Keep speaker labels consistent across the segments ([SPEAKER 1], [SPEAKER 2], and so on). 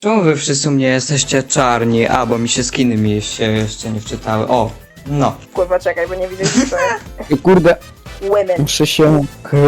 [SPEAKER 1] Czemu wy wszyscy u mnie jesteście czarni? A, bo mi się skiny mi się jeszcze nie wczytały. O, no.
[SPEAKER 2] Kurwa, czekaj, bo nie widzę, co to jest.
[SPEAKER 3] Kurde,
[SPEAKER 2] Women.
[SPEAKER 3] muszę się...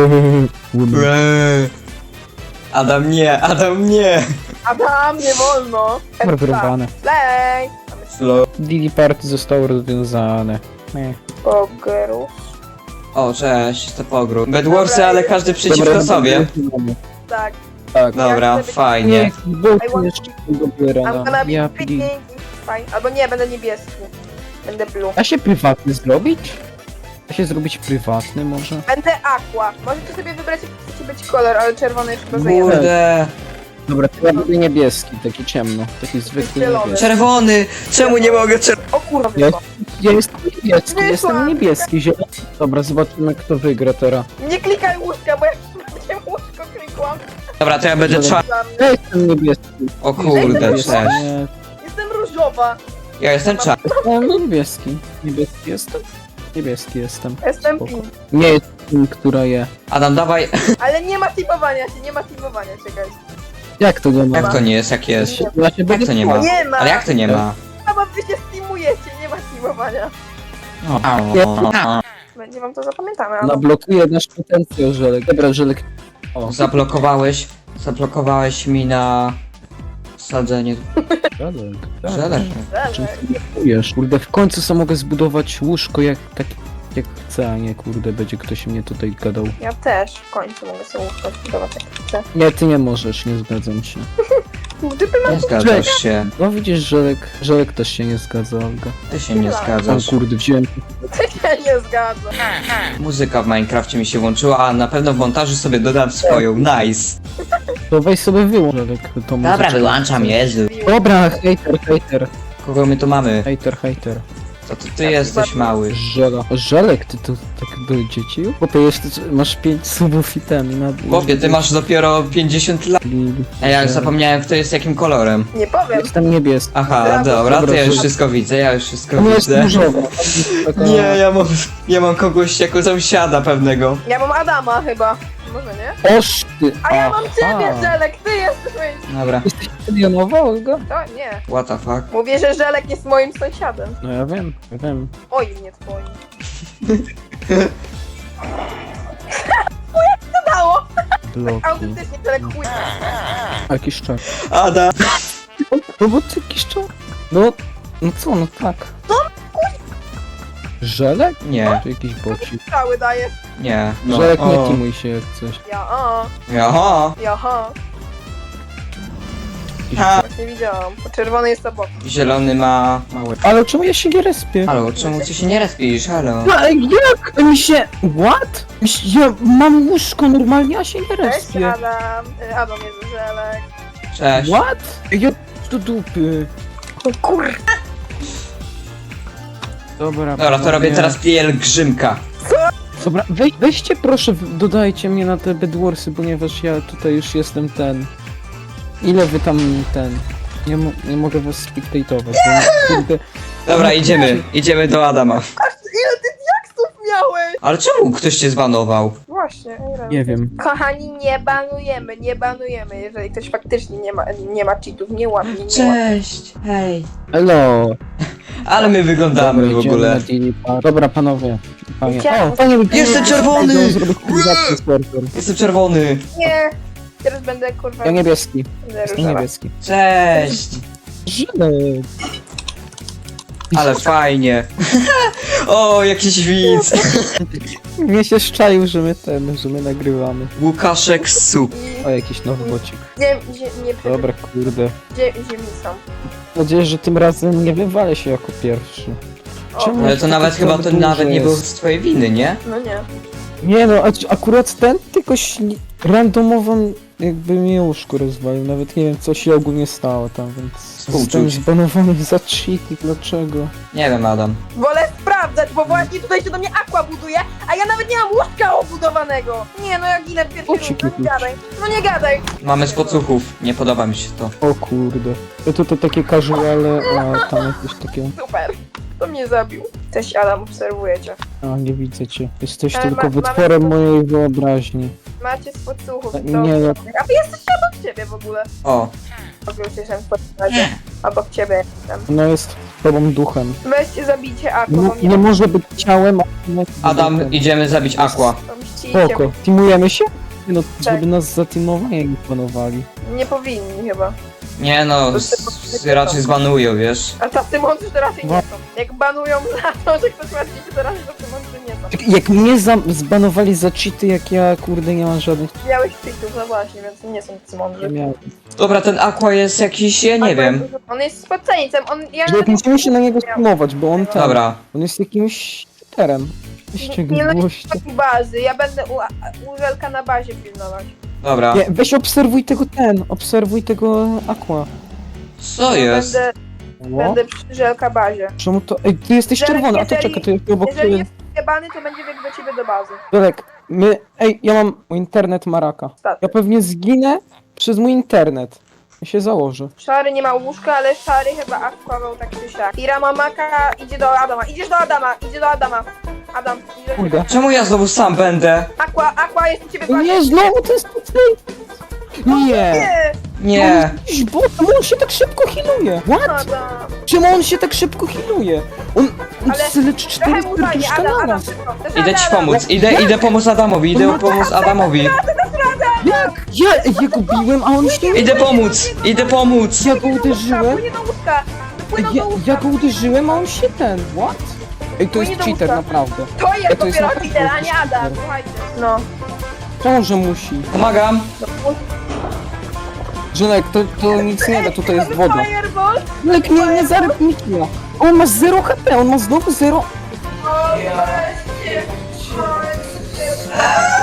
[SPEAKER 1] Adam nie, Adam nie!
[SPEAKER 2] Adam, nie wolno.
[SPEAKER 3] Wyrwane.
[SPEAKER 2] Play.
[SPEAKER 1] Slow.
[SPEAKER 3] Dili Party zostało rozwiązane.
[SPEAKER 2] Pogerus.
[SPEAKER 1] O, cześć, to pogród. Bedwarsy, ale każdy przeciwko sobie.
[SPEAKER 2] Tak.
[SPEAKER 3] Tak.
[SPEAKER 1] Dobra,
[SPEAKER 2] chcę być-
[SPEAKER 1] fajnie.
[SPEAKER 3] Bo jeszcze tego
[SPEAKER 2] I'm
[SPEAKER 3] biera.
[SPEAKER 2] gonna be
[SPEAKER 3] Ja
[SPEAKER 2] picking. Fine. Albo nie, będę niebieski. Będę blue.
[SPEAKER 3] Da się prywatny zrobić? Da się zrobić prywatny może?
[SPEAKER 2] Będę aqua. Możecie sobie wybrać, jaki chcecie być kolor, ale czerwony już chyba zajęty.
[SPEAKER 1] Kurde.
[SPEAKER 3] Dobra, to ja będę niebieski, taki ciemno. Taki zwykły
[SPEAKER 2] Zielony.
[SPEAKER 3] niebieski.
[SPEAKER 1] Czerwony! Czemu nie mogę
[SPEAKER 2] O kurwa,
[SPEAKER 3] Ja,
[SPEAKER 2] wyszło.
[SPEAKER 3] ja jestem niebieski,
[SPEAKER 2] Wyszłam.
[SPEAKER 3] jestem niebieski, zielony. Dobra, zobaczymy kto wygra teraz.
[SPEAKER 2] Nie klikaj łóżka, bo jak się łóżko klikłam.
[SPEAKER 1] Dobra, to ja będę czarny.
[SPEAKER 2] Dla mnie.
[SPEAKER 3] Ja jestem niebieski.
[SPEAKER 1] O kurde,
[SPEAKER 3] Niebieski,
[SPEAKER 1] cześć.
[SPEAKER 3] nie,
[SPEAKER 2] Jestem różowa.
[SPEAKER 1] Ja jestem czarny.
[SPEAKER 3] jestem niebieski. Niebieski jestem? Niebieski jestem.
[SPEAKER 2] Jestem
[SPEAKER 3] Spoko.
[SPEAKER 2] pink.
[SPEAKER 3] Nie jest tym, która je.
[SPEAKER 1] Adam, dawaj.
[SPEAKER 2] Ale nie ma typowania się, nie ma typowania, czekaj.
[SPEAKER 3] Jak to nie ma?
[SPEAKER 1] Jak to nie jest, jak jest?
[SPEAKER 3] Ja się
[SPEAKER 1] Jak to nie ma?
[SPEAKER 2] Nie ma.
[SPEAKER 1] Ale jak to nie ma?
[SPEAKER 2] A bo wy się steamujecie, nie ma teamowania. Będzie wam to zapamiętane, ale...
[SPEAKER 3] Nablokuje nasz potencjał, Żelek. Dobra, Żelek. O,
[SPEAKER 1] Zablokowałeś mi na sadzenie
[SPEAKER 3] Żelek.
[SPEAKER 1] żelek.
[SPEAKER 3] Czym ty kupujesz? Kurde, w końcu sam mogę zbudować łóżko jak jak chcę, a nie kurde, będzie ktoś mnie tutaj gadał.
[SPEAKER 2] Ja też w końcu mogę sobie łóżko zbudować jak chcę.
[SPEAKER 3] Nie, ty nie możesz, nie zgadzam się.
[SPEAKER 2] Gdyby
[SPEAKER 1] Nie
[SPEAKER 2] mam...
[SPEAKER 1] zgadzasz się.
[SPEAKER 3] No widzisz, Żelek też się nie zgadza, Olga.
[SPEAKER 1] Ty się nie
[SPEAKER 3] O
[SPEAKER 1] zgadzasz.
[SPEAKER 3] kurde, wziąłem.
[SPEAKER 2] Ja nie zgadzam.
[SPEAKER 1] Muzyka w Minecrafcie mi się włączyła, a na pewno w montażu sobie dodam swoją. Nice.
[SPEAKER 3] To weź sobie wyłącz, Żelek, tą muzyczkę.
[SPEAKER 1] Jezu.
[SPEAKER 3] Dobra, hejter.
[SPEAKER 1] Kogo my tu mamy?
[SPEAKER 3] Hejter.
[SPEAKER 1] To ty jesteś mały.
[SPEAKER 3] Żelek, ty to tak do dzieci? Chłopie, jeszcze masz 5 subów i ten na...
[SPEAKER 1] Chłopie, ty masz dopiero 50 lat. A ja już zapomniałem, kto jest jakim kolorem.
[SPEAKER 2] Nie powiem.
[SPEAKER 3] Jestem niebieski.
[SPEAKER 1] Aha, dobra, to ja już wszystko widzę,
[SPEAKER 3] To jest
[SPEAKER 1] widzę.
[SPEAKER 3] różowa.
[SPEAKER 1] Nie, ja mam kogoś jako sąsiada pewnego.
[SPEAKER 2] Ja mam Adama chyba. Może nie?
[SPEAKER 3] Oż ty!
[SPEAKER 2] A ja mam
[SPEAKER 3] aha.
[SPEAKER 2] ciebie, Żelek, ty jesteś moim...
[SPEAKER 1] Dobra.
[SPEAKER 3] Jesteś milionowa, Olga?
[SPEAKER 2] To nie.
[SPEAKER 1] What the fuck?
[SPEAKER 2] Mówię, że Żelek jest moim sąsiadem.
[SPEAKER 3] No ja wiem.
[SPEAKER 2] Oj, nie twoim. Jak to dało?
[SPEAKER 3] Bloki.
[SPEAKER 2] Autentycznie Żelek chuj.
[SPEAKER 3] Jakiś czar.
[SPEAKER 1] Ada!
[SPEAKER 3] No bo ty jakiś czar. No co, no tak. Żelek?
[SPEAKER 1] Nie,
[SPEAKER 3] Czy jakiś bocik?
[SPEAKER 2] Strzały daje.
[SPEAKER 1] nie. No.
[SPEAKER 3] Żelek, nie
[SPEAKER 1] O.
[SPEAKER 3] timuj się jak coś.
[SPEAKER 1] Jaha.
[SPEAKER 2] Jaha.
[SPEAKER 3] Jakiś
[SPEAKER 1] Ha.
[SPEAKER 2] Właśnie widziałam. Bo czerwony jest obok.
[SPEAKER 1] Zielony ma mały.
[SPEAKER 3] Ale czemu ja się nie respię?
[SPEAKER 1] Halo, czemu ty się nie respisz? Halo.
[SPEAKER 3] No, ale jak? Mi się... What? Ja mam łóżko normalnie, a się nie
[SPEAKER 2] Cześć,
[SPEAKER 3] respię.
[SPEAKER 2] Adam. Adam jest Żelek.
[SPEAKER 1] Cześć.
[SPEAKER 3] What? Ja do dupy.
[SPEAKER 2] O kur...
[SPEAKER 3] Dobra,
[SPEAKER 1] Dobra, to robię
[SPEAKER 3] panowie.
[SPEAKER 1] teraz pielgrzymka.
[SPEAKER 3] Dobra, weźcie proszę, dodajcie mnie na te Bedwarsy, ponieważ ja tutaj już jestem ten... Ile wy tam ten... Nie mogę was spectatować, bo kurde...
[SPEAKER 1] Dobra, idziemy do Adama.
[SPEAKER 2] Ile ty diaksów miałeś?
[SPEAKER 1] Ale czemu ktoś cię zbanował?
[SPEAKER 2] Właśnie.
[SPEAKER 3] Nie wiem.
[SPEAKER 2] Kochani, nie banujemy, jeżeli ktoś faktycznie nie ma cheatów, nie łapie, nie łapie.
[SPEAKER 1] Cześć, hej.
[SPEAKER 3] Hello!
[SPEAKER 1] Ale my wyglądamy
[SPEAKER 3] Dobra,
[SPEAKER 1] w
[SPEAKER 3] idziemy
[SPEAKER 1] ogóle.
[SPEAKER 3] na Daily Park. Dobra, panowie. Panie.
[SPEAKER 2] Idziemy.
[SPEAKER 3] O, panie,
[SPEAKER 1] Jestem czerwony!
[SPEAKER 3] Zrobię kulizację z serwer.
[SPEAKER 1] Jestem czerwony.
[SPEAKER 2] Nie, teraz będę kurwa...
[SPEAKER 3] Ja niebieski.
[SPEAKER 2] będę
[SPEAKER 3] Jestem
[SPEAKER 2] różowa.
[SPEAKER 3] niebieski.
[SPEAKER 1] Cześć.
[SPEAKER 3] Żelek.
[SPEAKER 1] Ale fajnie. O, jakiś widz.
[SPEAKER 3] Mnie się szczaił, że my nagrywamy.
[SPEAKER 1] Łukaszek Sup.
[SPEAKER 3] O, jakiś nowy bocik.
[SPEAKER 2] Nie
[SPEAKER 3] Dobra, kurde.
[SPEAKER 2] ziemi są.
[SPEAKER 3] Mam nadzieję, że tym razem nie wywalę się jako pierwszy.
[SPEAKER 2] O,
[SPEAKER 3] Czemu?
[SPEAKER 1] Ale to nawet chyba to
[SPEAKER 3] Duże
[SPEAKER 1] nawet nie
[SPEAKER 3] jest.
[SPEAKER 1] było z twojej winy, nie?
[SPEAKER 2] no nie.
[SPEAKER 3] Nie no, akurat ten tylko randomową jakby mnie łóżko rozwalił. Nawet nie wiem co się ogólnie stało tam, więc
[SPEAKER 1] Współczuć.
[SPEAKER 3] zostałem zbanowany za cheaty. Dlaczego?
[SPEAKER 1] Nie wiem, Adam.
[SPEAKER 2] Wolę sprawdzać, bo właśnie tutaj się do mnie aqua buduje, a ja nawet nie mam łóżka obudowanego. Nie, no ja ginę pierwszy
[SPEAKER 3] O,
[SPEAKER 2] raz, no
[SPEAKER 3] ciki.
[SPEAKER 2] nie gadaj. No nie gadaj.
[SPEAKER 1] Mamy z podsłuchów. Nie podoba mi się to.
[SPEAKER 3] O kurde. Ja to takie casuale, a tam jakieś takie...
[SPEAKER 2] Super. Kto mnie zabił? Cześć Adam, obserwuję cię.
[SPEAKER 3] A, nie widzę cię. Jesteś
[SPEAKER 2] Ale
[SPEAKER 3] tylko
[SPEAKER 2] ma-
[SPEAKER 3] wytworem
[SPEAKER 2] mamy-
[SPEAKER 3] mojej wyobraźni.
[SPEAKER 2] Macie z podsłuchów.
[SPEAKER 3] Nie, ja-
[SPEAKER 2] A wy jesteście obok ciebie w ogóle.
[SPEAKER 1] O,
[SPEAKER 2] Już jestem w twoim razie. Obok ciebie jestem.
[SPEAKER 3] Ona jest tobą duchem.
[SPEAKER 2] Weźcie, zabijcie Aqua, bo
[SPEAKER 3] Nie
[SPEAKER 2] mnie
[SPEAKER 3] może być ciałem, a nie
[SPEAKER 1] Adam,
[SPEAKER 3] duchem.
[SPEAKER 1] idziemy zabić Aqua.
[SPEAKER 2] pomścicie.
[SPEAKER 3] Spoko. Teamujemy się? Nie no,
[SPEAKER 2] Tak.
[SPEAKER 3] żeby nas zateamowanie nie planowali.
[SPEAKER 2] Nie powinni chyba.
[SPEAKER 1] Nie no, raczej zbanują, wiesz.
[SPEAKER 2] A tacy mądrzy to raczej
[SPEAKER 3] No.
[SPEAKER 2] nie są. Jak banują za to, że ktoś ma cheaty, to raczej tacy mądrzy nie są.
[SPEAKER 3] Tak, jak mnie zbanowali za cheaty, jak ja kurde nie mam żadnych...
[SPEAKER 2] Miałeś cheatów, no właśnie, więc nie są tacy
[SPEAKER 3] Nie
[SPEAKER 2] mądrzy.
[SPEAKER 3] miałem.
[SPEAKER 1] Dobra, ten Aqua jest jakiś, ja nie wiem.
[SPEAKER 2] On jest spoceńcem, ja
[SPEAKER 3] Że jak musimy się na niego streamować, bo on ten...
[SPEAKER 1] Dobra.
[SPEAKER 3] On jest jakimś cheaterem. Weźcie go
[SPEAKER 2] Nie, no nie
[SPEAKER 3] gościa.
[SPEAKER 2] taki bazy, ja będę u Żelka na bazie pilnować.
[SPEAKER 1] Dobra.
[SPEAKER 3] Nie, weź obserwuj tego Aqua.
[SPEAKER 1] Co jest?
[SPEAKER 2] Będę przy Żelka bazie.
[SPEAKER 3] Czemu to... Ej, ty jesteś
[SPEAKER 2] Jeżeli-
[SPEAKER 3] czerwony, a to
[SPEAKER 2] jeżeli-
[SPEAKER 3] czekaj, to jest obok
[SPEAKER 2] Jeżeli
[SPEAKER 3] ciebie.
[SPEAKER 2] jest jebany, to będzie biegł do ciebie do bazy.
[SPEAKER 3] Dolek, Ej, ja mam internet Maraka.
[SPEAKER 2] Staty.
[SPEAKER 3] Ja pewnie zginę przez mój internet. Ja się założę.
[SPEAKER 2] Szary nie ma łóżka, ale Szary chyba akwawał tak czy siak. Ira ma maka, idzie do Adama. Idzie do Adama. Adam, idzie do
[SPEAKER 3] Kurde.
[SPEAKER 2] ciebie.
[SPEAKER 1] Czemu ja znowu sam będę?
[SPEAKER 2] Aqua jest u ciebie w
[SPEAKER 3] O
[SPEAKER 2] bazie.
[SPEAKER 3] nie, znowu to jest tutaj! Nie!
[SPEAKER 2] Nie!
[SPEAKER 1] Nie.
[SPEAKER 3] Jakiś bot, czemu on się tak szybko healuje? What?
[SPEAKER 2] Adam.
[SPEAKER 3] Czemu on się tak szybko healuje? On
[SPEAKER 2] Ale
[SPEAKER 3] leczy 4
[SPEAKER 2] Trochę mu fajnie,
[SPEAKER 3] serduszka
[SPEAKER 2] Adam,
[SPEAKER 3] naraz.
[SPEAKER 2] szybko. To jest
[SPEAKER 1] Idę ci
[SPEAKER 2] Adam.
[SPEAKER 1] pomóc, idę pomóc Adamowi, idę pomóc Adamowi.
[SPEAKER 3] Jak? Ja go biłem, a on się...
[SPEAKER 1] Idę pomóc.
[SPEAKER 3] Ja go uderzyłem.
[SPEAKER 2] Płynie do łóżka. Płyną do łóżka.
[SPEAKER 3] Ja go uderzyłem, a on się ten... What? Ej, to jest
[SPEAKER 2] Płynie do
[SPEAKER 3] cheater,
[SPEAKER 2] łóżka.
[SPEAKER 3] naprawdę.
[SPEAKER 2] To jest
[SPEAKER 3] to jest
[SPEAKER 2] dopiero
[SPEAKER 3] naprawdę
[SPEAKER 2] cheater, a nie
[SPEAKER 3] jakiś
[SPEAKER 2] Adam.
[SPEAKER 3] cheater.
[SPEAKER 2] Słuchajcie. No.
[SPEAKER 3] Czemu, że musi?
[SPEAKER 1] Pomagam.
[SPEAKER 3] Żonek, to nic nie da, tutaj jest woda.
[SPEAKER 2] Fireball.
[SPEAKER 3] Lek, nie zarób mi killa. On ma 0 HP, on ma znowu 0...
[SPEAKER 2] O, weźcie.